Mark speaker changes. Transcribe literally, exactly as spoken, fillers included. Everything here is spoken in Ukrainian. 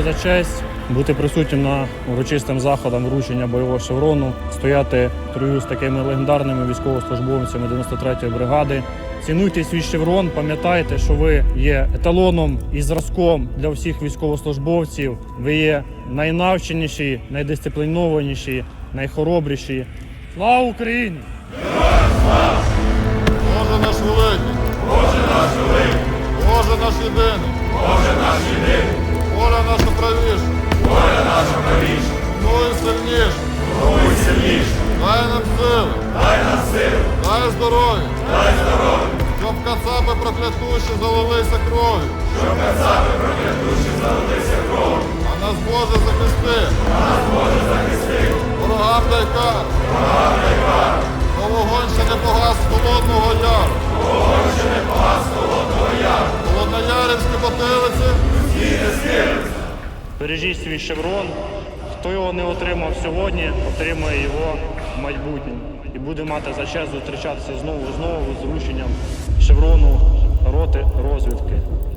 Speaker 1: за честь бути присутнім на урочистим заходам вручення бойового шеврону, стояти в строю з такими легендарними військовослужбовцями дев'яносто третьої бригади. Цінуйте свій шеврон, пам'ятайте, що ви є еталоном і зразком для всіх військовослужбовців. Ви є найнавченіші, найдисциплінованіші, найхоробріші. Слава Україні!
Speaker 2: Боже наш великий!
Speaker 3: Боже наш великий!
Speaker 2: Боже наш єдиний!
Speaker 3: Боже наш єдиний!
Speaker 2: Воля наша правіша!
Speaker 3: Воля наша правіша!
Speaker 2: Ну і сильніша!
Speaker 3: Ну і сильніша!
Speaker 2: Дай нам сили!
Speaker 3: Дай нам сили!
Speaker 2: Дай здоров'я!
Speaker 3: Дай здоров'я!
Speaker 2: Щоб кацапи проклятущі залилися кров'ю!
Speaker 3: Щоб кацапи проклятущі залилися кров'ю!
Speaker 2: А нас Боже захисти!
Speaker 3: А нас Боже захисти!
Speaker 2: Ворогам дай кар!
Speaker 3: Ворогам дай кар!
Speaker 2: Бо вогонь ще не погас з Холодного Яру!
Speaker 3: Вогонь ще не погас з Холодного Яру!
Speaker 2: Холодноярівські потилиці!
Speaker 3: І не схилиться!
Speaker 1: Бережіть свій шеврон. Хто його не отримав сьогодні, отримає його в майбутньому. І буде мати за честь зустрічатися знову і знову з врученням шеврону роти розвідки.